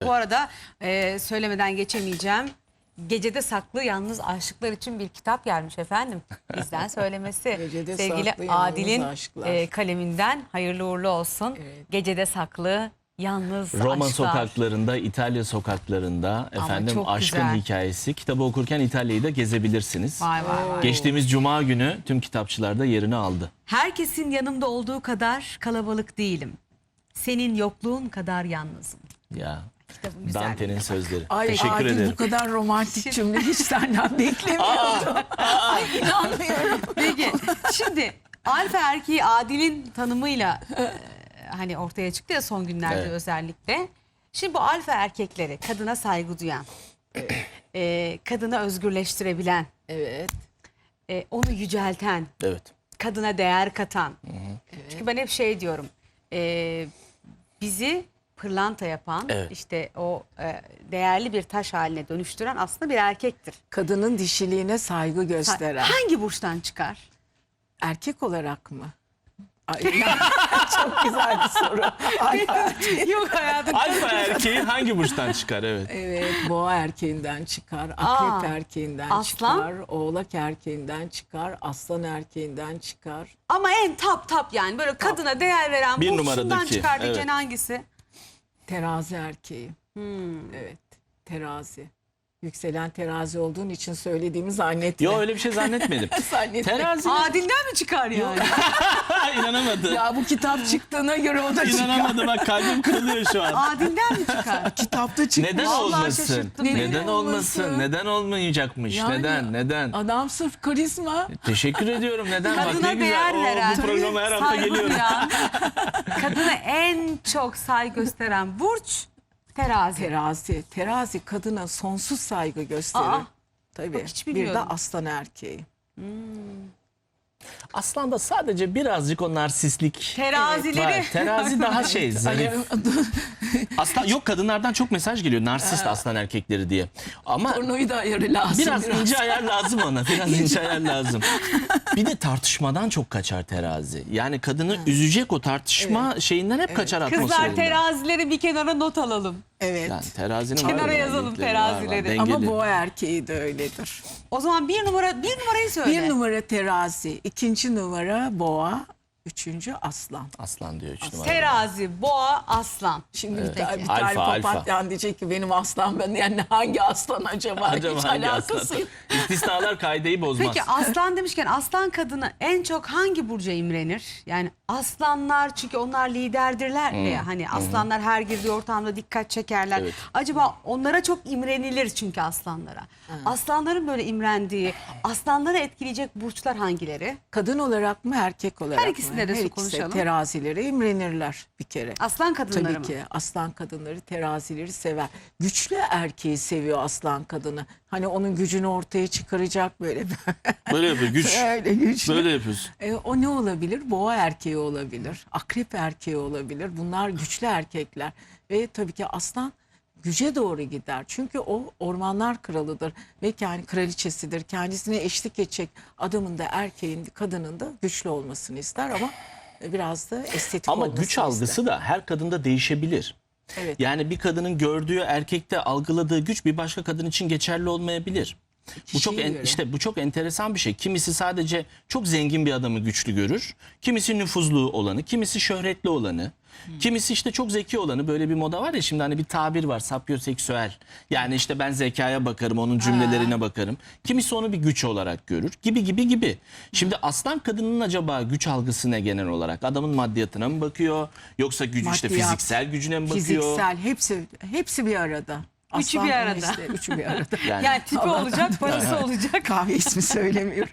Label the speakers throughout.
Speaker 1: Bu arada söylemeden geçemeyeceğim. Gecede Saklı Yalnız Aşıklar için bir kitap gelmiş efendim. Bizden söylemesi.
Speaker 2: Gecede
Speaker 1: Sevgili
Speaker 2: saklı yalnız
Speaker 1: Adil'in
Speaker 2: aşklar.
Speaker 1: Kaleminden hayırlı uğurlu olsun.
Speaker 2: Evet.
Speaker 1: Gecede Saklı Yalnız
Speaker 3: Roma
Speaker 1: Aşklar.
Speaker 3: sokaklarında, İtalya sokaklarında efendim
Speaker 1: çok
Speaker 3: aşkın
Speaker 1: güzel.
Speaker 3: hikayesi. Kitabı okurken İtalya'yı da gezebilirsiniz.
Speaker 1: Vay vay vay.
Speaker 3: Geçtiğimiz Cuma günü tüm kitapçılarda yerini aldı.
Speaker 1: Herkesin yanımda olduğu kadar kalabalık değilim. Senin yokluğun kadar yalnızım.
Speaker 3: Ya
Speaker 1: Kitabın güzelliğine
Speaker 3: Dante'nin
Speaker 1: bak.
Speaker 3: sözleri.
Speaker 2: Ay
Speaker 3: Teşekkür
Speaker 2: Adil,
Speaker 3: ederim.
Speaker 2: bu kadar romantik cümle hiç senden beklemiyordum. Ay inanmıyorum.
Speaker 1: Peki şimdi alfa erkeği Adil'in tanımıyla hani ortaya çıktı ya son günlerde
Speaker 3: Evet.
Speaker 1: özellikle. Şimdi bu alfa erkekleri kadına saygı duyan, kadını özgürleştirebilen,
Speaker 2: Evet.
Speaker 1: onu yücelten,
Speaker 3: Evet.
Speaker 1: kadına değer katan. Çünkü ben hep şey diyorum, bizi pırlanta yapan,
Speaker 3: Evet.
Speaker 1: işte o değerli bir taş haline dönüştüren aslında bir erkektir.
Speaker 2: Kadının dişiliğine saygı gösteren.
Speaker 1: Hangi burçtan çıkar?
Speaker 2: Erkek olarak mı? Ay, çok güzel bir soru. Ay,
Speaker 1: Yok hayatım.
Speaker 3: Alfa erkeği hangi burçtan çıkar? Evet.
Speaker 2: evet, boğa erkeğinden çıkar, akrep erkeğinden
Speaker 1: aslan?
Speaker 2: çıkar, oğlak erkeğinden çıkar, aslan erkeğinden çıkar.
Speaker 1: Ama en top yani böyle kadına değer veren
Speaker 3: Bir
Speaker 1: burçundan
Speaker 3: numaradaki,
Speaker 1: çıkar diyeceğin
Speaker 3: evet.
Speaker 1: hangisi?
Speaker 2: Terazi erkeği. Evet, terazi. Yükselen terazi olduğun için söylediğimi zannetme.
Speaker 3: Yo öyle bir şey zannetmedim.
Speaker 2: Zannetme.
Speaker 3: Terazi.
Speaker 1: Adil'den mi çıkar yani?
Speaker 3: İnanamadı.
Speaker 2: Ya bu kitap çıktığına göre o da çıkar.
Speaker 3: İnanamadı bak kalbim kırılıyor şu an.
Speaker 1: Adil'den mi çıkar?
Speaker 2: Kitapta çıkmış.
Speaker 3: Neden
Speaker 1: Vallahi
Speaker 3: olmasın?
Speaker 1: şaşırttın beni.
Speaker 3: Neden olmasın?
Speaker 2: olmasın?
Speaker 3: Neden olmayacakmış?
Speaker 2: Yani
Speaker 3: Neden?
Speaker 2: Adam sırf karizma.
Speaker 3: Teşekkür ediyorum. Neden? Bak
Speaker 1: Kadına
Speaker 3: ne güzel.
Speaker 1: değer veren,
Speaker 3: Bu programa her hafta
Speaker 1: saygı
Speaker 3: geliyorum.
Speaker 1: duyan, kadına en çok saygı gösteren burç terazi.
Speaker 2: Terazi. Terazi kadına sonsuz saygı gösterir.
Speaker 1: Aa,
Speaker 2: Tabii.
Speaker 1: bak hiç
Speaker 2: Bir de
Speaker 1: bilmiyordum.
Speaker 2: aslan erkeği.
Speaker 3: Aslında sadece birazcık o narsistlik
Speaker 1: Terazileri.
Speaker 3: var. Terazi daha şey zarif. Aslan yok, kadınlardan çok mesaj geliyor narsist aslan erkekleri diye. Ama
Speaker 2: Pornoyu da ayarı lazım.
Speaker 3: biraz ince ayar lazım ona. Biraz ince ayar lazım. Bir de tartışmadan çok kaçar terazi. Yani kadını üzecek o tartışma şeyinden hep kaçar
Speaker 1: Kızlar
Speaker 3: atmosferinden.
Speaker 1: terazileri bir kenara not alalım.
Speaker 2: Evet.
Speaker 3: Yani terazinin
Speaker 1: Kenara
Speaker 3: var
Speaker 1: yazalım
Speaker 3: özellikleri, var,
Speaker 1: terazileri.
Speaker 2: Ama
Speaker 3: dengeli.
Speaker 2: boğa erkeği de öyledir.
Speaker 1: O zaman bir numarayı söyle.
Speaker 2: Bir numara terazi, ikinci numara boğa, üçüncü aslan.
Speaker 3: Aslan diyor 3 numara.
Speaker 1: Terazi, boğa, aslan.
Speaker 2: Şimdi
Speaker 3: Evet.
Speaker 2: bir tane
Speaker 3: Alfa, alfa.
Speaker 2: papatyan diyecek ki benim aslan ben yani hangi aslan acaba?
Speaker 3: Acaba
Speaker 2: Hiç
Speaker 3: hangi
Speaker 2: alakası
Speaker 3: aslan?
Speaker 2: yok.
Speaker 3: İstisnalar kaideyi bozmaz.
Speaker 1: Peki aslan demişken aslan kadını en çok hangi burca imrenir? Yani aslanlar çünkü onlar liderdirler ya hani aslanlar her girdiği ortamda dikkat çekerler.
Speaker 3: Evet.
Speaker 1: Acaba onlara çok imrenilir çünkü aslanlara. Aslanların böyle imrendiği, aslanları etkileyecek burçlar hangileri?
Speaker 2: Kadın olarak mı erkek olarak
Speaker 1: Her ikisinde
Speaker 2: mı?
Speaker 1: de
Speaker 2: Her ikisi
Speaker 1: konuşalım.
Speaker 2: terazilere imrenirler bir kere.
Speaker 1: Aslan kadınları
Speaker 2: Tabii
Speaker 1: mı?
Speaker 2: ki aslan kadınları terazileri sever. Güçlü erkeği seviyor aslan kadını. Hani onun gücünü ortaya çıkaracak böyle.
Speaker 3: Böyle yapıyor güç.
Speaker 2: Öyle güçlü.
Speaker 3: Böyle yapıyorsun.
Speaker 2: O ne olabilir? Boğa erkeği olabilir. Akrep erkeği olabilir. Bunlar güçlü erkekler. Ve tabii ki aslan güce doğru gider. Çünkü o ormanlar kralıdır. Ve yani kraliçesidir. Kendisine eşlik edecek adamın da erkeğin, kadının da güçlü olmasını ister ama biraz da estetik
Speaker 3: Ama
Speaker 2: olmasını
Speaker 3: güç algısı
Speaker 2: ister.
Speaker 3: da her kadında değişebilir.
Speaker 2: Evet.
Speaker 3: Yani bir kadının gördüğü erkekte algıladığı güç bir başka kadın için geçerli olmayabilir. Bu çok
Speaker 2: Kişiye göre.
Speaker 3: işte bu çok enteresan bir şey. Kimisi sadece çok zengin bir adamı güçlü görür. Kimisi nüfuzlu olanı, kimisi şöhretli olanı. Kimisi işte çok zeki olanı, böyle bir moda var ya şimdi hani bir tabir var, sapyoseksüel. Yani işte ben zekaya bakarım, onun cümlelerine bakarım. Kimisi onu bir güç olarak görür gibi. Şimdi aslan kadının acaba güç algısı ne genel olarak? Adamın maddiyatına mı bakıyor? Yoksa gücü işte
Speaker 2: Maddiyat,
Speaker 3: fiziksel gücüne mi bakıyor?
Speaker 2: Fiziksel hepsi bir arada.
Speaker 1: Üçü
Speaker 2: Aslan
Speaker 1: bir
Speaker 2: da
Speaker 1: arada.
Speaker 2: işte, üçü bir arada.
Speaker 1: Yani tipi
Speaker 2: Allah'tan
Speaker 1: olacak, parası olacak.
Speaker 2: Kahve ismi söylemiyorum.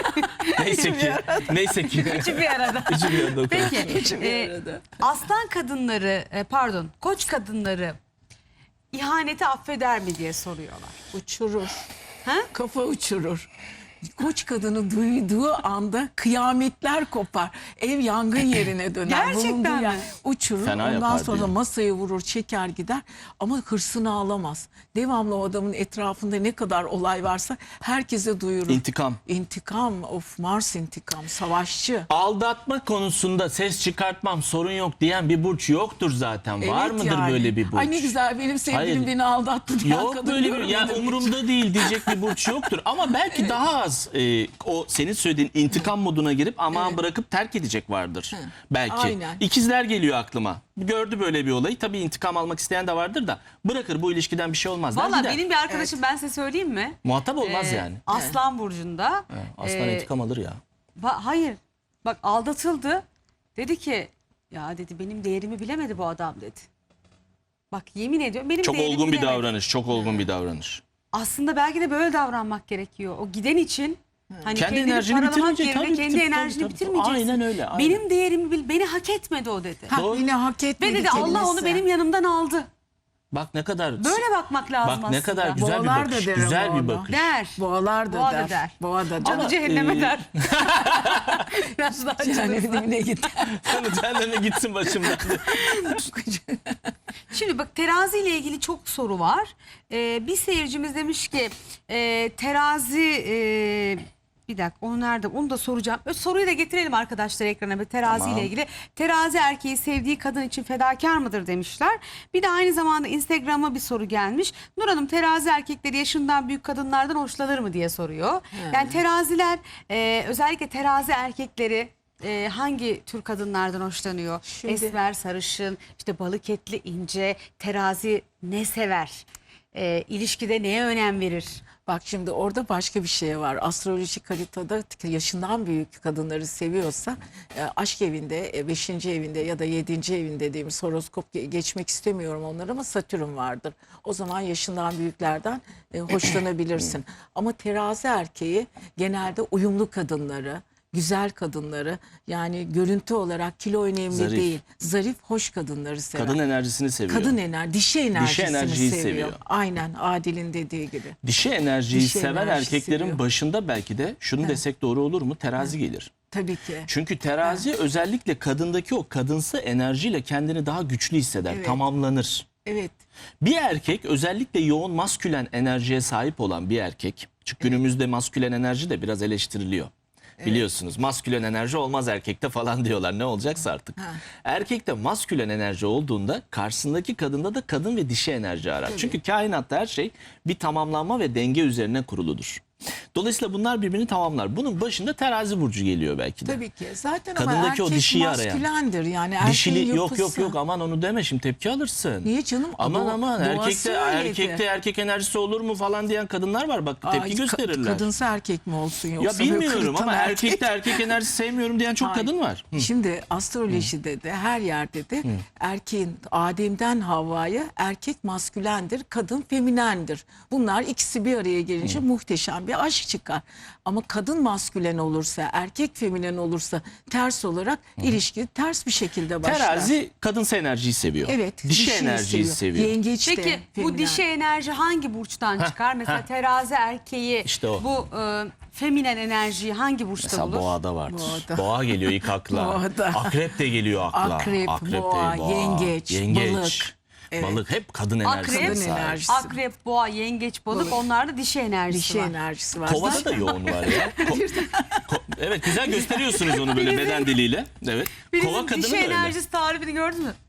Speaker 3: Neyse ki.
Speaker 1: Üçü bir arada.
Speaker 3: Üçü bir arada.
Speaker 1: Peki
Speaker 2: Üçü bir arada.
Speaker 1: aslan kadınları koç kadınları ihaneti affeder mi diye soruyorlar.
Speaker 2: Uçurur.
Speaker 1: Ha?
Speaker 2: Kafa uçurur. Koç kadını duyduğu anda kıyametler kopar. Ev yangın yerine döner.
Speaker 1: Gerçekten
Speaker 2: Bulunduğu
Speaker 1: mi?
Speaker 2: yer uçurur.
Speaker 3: Fena
Speaker 2: Ondan
Speaker 3: yapar
Speaker 2: sonra
Speaker 3: diyor.
Speaker 2: masayı vurur, çeker gider. Ama hırsını alamaz. Devamlı o adamın etrafında ne kadar olay varsa herkese duyurur.
Speaker 3: İntikam.
Speaker 2: İntikam, of Mars intikam, savaşçı.
Speaker 3: Aldatma konusunda ses çıkartmam, sorun yok diyen bir burç yoktur zaten. Var
Speaker 2: Evet
Speaker 3: mıdır
Speaker 2: yani.
Speaker 3: böyle bir burç?
Speaker 2: Ay ne güzel, benim sevgilim
Speaker 3: Hayır.
Speaker 2: beni aldattı diye
Speaker 3: Yok
Speaker 2: kadın
Speaker 3: böyle bir,
Speaker 2: görmedim
Speaker 3: yani
Speaker 2: hiç.
Speaker 3: umurumda değil diyecek bir burç yoktur. Ama belki daha az o senin söylediğin intikam moduna girip aman bırakıp terk edecek vardır. Belki.
Speaker 2: Aynen.
Speaker 3: İkizler geliyor aklıma. Gördü böyle bir olayı. Tabii intikam almak isteyen de vardır da bırakır, bu ilişkiden bir şey olmaz. der
Speaker 1: Valla
Speaker 3: gider.
Speaker 1: benim bir arkadaşım, ben size söyleyeyim mi?
Speaker 3: Muhatap olmaz
Speaker 1: Ee,
Speaker 3: yani.
Speaker 1: Aslan burcunda.
Speaker 3: Aslan intikam alır ya.
Speaker 1: Hayır. Bak aldatıldı. Dedi ki ya dedi benim değerimi bilemedi bu adam dedi. Bak yemin ediyorum benim
Speaker 3: Çok
Speaker 1: değerimi
Speaker 3: olgun bir
Speaker 1: bilemedi.
Speaker 3: davranış. Çok olgun bir davranış.
Speaker 1: Aslında belki de böyle davranmak gerekiyor. O giden için hani
Speaker 3: Kendi
Speaker 1: kendini
Speaker 3: enerjini
Speaker 1: paralamak
Speaker 3: bitirmeyecek,
Speaker 1: yerine
Speaker 3: tabii,
Speaker 1: kendi
Speaker 3: tabii,
Speaker 1: enerjini
Speaker 3: tabii.
Speaker 1: bitirmeyeceksin.
Speaker 3: Aynen öyle, aynen.
Speaker 1: Benim değerimi bil, beni hak etmedi o dedi.
Speaker 2: Ha,
Speaker 3: Doğru.
Speaker 2: yine hak etmedi
Speaker 1: Ve dedi Allah onu
Speaker 2: kelimesi.
Speaker 1: benim yanımdan aldı.
Speaker 3: Bak ne kadar
Speaker 1: Böyle bakmak lazım
Speaker 3: bak
Speaker 1: aslında.
Speaker 3: ne kadar güzel bir
Speaker 2: Boğalar da
Speaker 3: bakış.
Speaker 2: der
Speaker 3: Güzel
Speaker 2: ama
Speaker 3: bir
Speaker 2: onu.
Speaker 3: bakış.
Speaker 1: Der.
Speaker 2: Boğalar da
Speaker 1: Boğa da
Speaker 2: der.
Speaker 1: der.
Speaker 2: Boğa da der.
Speaker 1: Canı
Speaker 3: Ama,
Speaker 1: cehenneme der. Biraz daha
Speaker 2: Cehennemine gider.
Speaker 3: Cehenneme gitsin başımdan.
Speaker 1: Şimdi bak terazi ile ilgili çok soru var. Bir seyircimiz demiş ki terazi bir dakika onu nerede? Onu da soracağım. Soruyu da getirelim arkadaşlar ekrana. Terazi
Speaker 3: Tamam.
Speaker 1: ile ilgili. Terazi erkeği sevdiği kadın için fedakar mıdır demişler. Bir de aynı zamanda Instagram'a bir soru gelmiş. Nur Hanım terazi erkekleri yaşından büyük kadınlardan hoşlanır mı diye soruyor. Yani teraziler özellikle terazi erkekleri hangi tür kadınlardan hoşlanıyor?
Speaker 2: Şimdi-
Speaker 1: Esmer, sarışın, işte balık etli, ince, terazi ne sever? İlişkide neye önem verir?
Speaker 2: Bak şimdi orada başka bir şey var. Astrolojik haritada yaşından büyük kadınları seviyorsa aşk evinde, 5. evinde ya da 7. evinde dediğimiz horoskop geçmek istemiyorum onları ama Satürn vardır. O zaman yaşından büyüklerden hoşlanabilirsin. Ama terazi erkeği genelde uyumlu kadınları, güzel kadınları, yani görüntü olarak kilo önemli
Speaker 3: Zarif.
Speaker 2: değil. Zarif, hoş kadınları sever.
Speaker 3: Kadın enerjisini seviyor.
Speaker 2: Kadın dişi enerjisini
Speaker 3: enerjiyi
Speaker 2: seviyor.
Speaker 3: seviyor.
Speaker 2: Aynen Adil'in dediği gibi.
Speaker 3: Dişi enerjiyi
Speaker 2: Dişi
Speaker 3: seven
Speaker 2: enerjisi
Speaker 3: erkeklerin
Speaker 2: seviyor.
Speaker 3: başında belki de şunu desek doğru olur mu? Terazi gelir.
Speaker 2: Tabii ki.
Speaker 3: Çünkü terazi özellikle kadındaki o kadınsı enerjiyle kendini daha güçlü hisseder,
Speaker 2: Evet.
Speaker 3: tamamlanır.
Speaker 2: Evet.
Speaker 3: Bir erkek özellikle yoğun maskülen enerjiye sahip olan bir erkek. Çünkü günümüzde maskülen enerji de biraz eleştiriliyor. Biliyorsunuz maskülen enerji olmaz erkekte falan diyorlar, ne olacaksa artık. Erkekte maskülen enerji olduğunda karşısındaki kadında da kadın ve dişi enerji arar. Çünkü kainatta her şey bir tamamlanma ve denge üzerine kuruludur. Dolayısıyla bunlar birbirini tamamlar. Bunun başında terazi burcu geliyor belki de.
Speaker 2: Tabii ki. Zaten ama
Speaker 3: Kadındaki o
Speaker 2: erkek
Speaker 3: dişiyi arayan.
Speaker 2: maskülendir yani. Erkeğin
Speaker 3: Dişili yok
Speaker 2: yapısı.
Speaker 3: aman onu deme şimdi tepki alırsın.
Speaker 2: Niye canım?
Speaker 3: Aman aman
Speaker 2: Doğası öyleydi.
Speaker 3: erkekte erkek enerjisi olur mu falan diyen kadınlar var, bak tepki
Speaker 2: Ay,
Speaker 3: gösterirler.
Speaker 2: Kadınsa erkek mi olsun
Speaker 3: Ya
Speaker 2: yoksa böyle
Speaker 3: bilmiyorum
Speaker 2: kırıtan
Speaker 3: ama
Speaker 2: erkek?
Speaker 3: erkekte erkek enerjisi sevmiyorum diyen çok
Speaker 2: Hayır.
Speaker 3: kadın var. Hı.
Speaker 2: Şimdi astrolojide de her yerde de erkeğin Adem'den Havva'ya erkek maskülendir, kadın feminendir. Bunlar ikisi bir araya gelince muhteşem bir aşk çıkar. Ama kadın maskülen olursa, erkek feminen olursa ters olarak ilişki ters bir şekilde başlar.
Speaker 3: Terazi kadınsı enerjiyi seviyor.
Speaker 2: Evet.
Speaker 3: Dişi
Speaker 2: dişiyi
Speaker 3: enerjiyi seviyor.
Speaker 2: Yengeç de
Speaker 1: Peki bu
Speaker 2: feminen.
Speaker 1: dişi enerji hangi burçtan çıkar? Mesela terazi erkeği
Speaker 3: İşte o.
Speaker 1: bu feminen enerjiyi hangi burçta
Speaker 3: Mesela
Speaker 1: bulur?
Speaker 3: boğada vardır.
Speaker 2: Boğada.
Speaker 3: Boğa geliyor ilk akla.
Speaker 2: Boğada.
Speaker 3: Akrep de geliyor akla.
Speaker 2: Akrep,
Speaker 3: de
Speaker 2: boğa, yengeç, balık. Evet.
Speaker 3: Balık hep kadın enerjisi.
Speaker 1: Akrep,
Speaker 2: Kadın enerjisi.
Speaker 1: akrep, boğa, yengeç, balık onlarda dişi enerjisi
Speaker 2: Dişi
Speaker 1: var.
Speaker 2: enerjisi var.
Speaker 3: Kovada da yoğun var ya. Evet, güzel gösteriyorsunuz onu böyle beden diliyle. Evet. Kova
Speaker 1: Bizim
Speaker 3: kadını
Speaker 1: dişi
Speaker 3: da öyle.
Speaker 1: enerjisi tarifini gördün mü?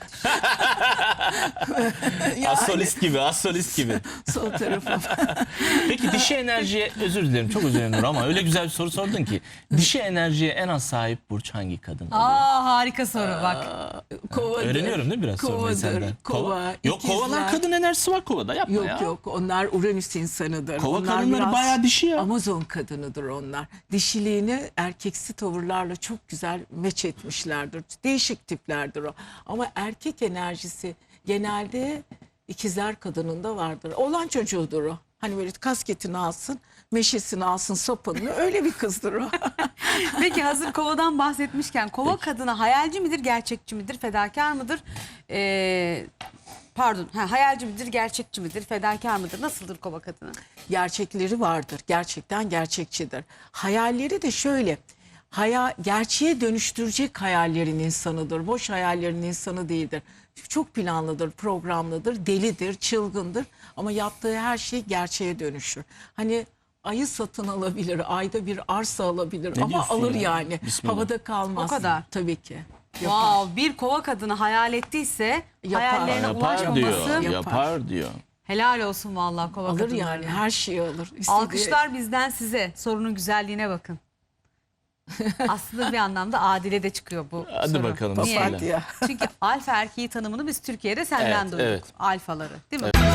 Speaker 3: Astrolist gibi, astrolist gibi.
Speaker 2: Sol tarafa.
Speaker 3: Peki dişi enerjiye, özür dilerim çok özür dilerim Nur ama öyle güzel bir soru sordun ki. Dişi enerjiye en az sahip burç hangi kadın oluyor?
Speaker 1: Harika soru bak.
Speaker 2: Kovadır.
Speaker 3: Öğreniyorum değil mi biraz sormayı
Speaker 2: Kovadır,
Speaker 3: senden?
Speaker 2: Kova,
Speaker 3: Yok, kovalar
Speaker 2: ikizler.
Speaker 3: kadın enerjisi var kovada, yapma
Speaker 2: Yok
Speaker 3: ya.
Speaker 2: yok, onlar Uranüs insanıdır.
Speaker 3: Kova
Speaker 2: Onlar
Speaker 3: kadınları
Speaker 2: biraz
Speaker 3: bayağı dişi ya.
Speaker 2: Amazon kadınıdır onlar. Dişiliğini erkeksi tavırlarla çok güzel meç etmişlerdir. Değişik tiplerdir o. Ama erkek enerjisi genelde ikizler kadınında vardır. Oğlan çocuğudur o. Hani böyle kasketini alsın, meşesini alsın, sopanını, öyle bir kızdır o.
Speaker 1: Peki hazır kovadan bahsetmişken kova kadını hayalci midir, gerçekçi midir, fedakar mıdır? Pardon, hayalci midir, gerçekçi midir, fedakar mıdır? Nasıldır kova kadını?
Speaker 2: Gerçekleri vardır. Gerçekten gerçekçidir. Hayalleri de şöyle. Gerçeğe dönüştürecek hayallerin insanıdır. Boş hayallerin insanı değildir. Çok planlıdır, programlıdır, delidir, çılgındır. Ama yaptığı her şey gerçeğe dönüşür. Hani ayı satın alabilir, ayda bir arsa alabilir
Speaker 3: Ne
Speaker 2: ama
Speaker 3: diyorsun
Speaker 2: alır
Speaker 3: ya?
Speaker 2: yani.
Speaker 3: Bismillah.
Speaker 2: Havada kalmaz.
Speaker 1: O kadar.
Speaker 2: Tabii ki. Yapar.
Speaker 1: Wow, bir kova kadını hayal ettiyse
Speaker 2: Yapar.
Speaker 1: hayallerine
Speaker 3: Yapar diyor.
Speaker 1: ulaşmaması
Speaker 3: Yapar diyor.
Speaker 1: helal olsun vallahi kova
Speaker 2: Alır
Speaker 1: kadınlarına.
Speaker 2: yani, her şeyi alır. İstediği-
Speaker 1: Alkışlar bizden size. Sorunun güzelliğine bakın. Aslında bir anlamda adile de çıkıyor bu
Speaker 3: Hadi
Speaker 1: soru.
Speaker 3: bakalım.
Speaker 1: Niye?
Speaker 2: Papatya.
Speaker 1: Çünkü alfa erkeği tanımını biz Türkiye'de senden
Speaker 3: Evet,
Speaker 1: duyduk.
Speaker 3: evet.
Speaker 1: Alfaları, değil mi?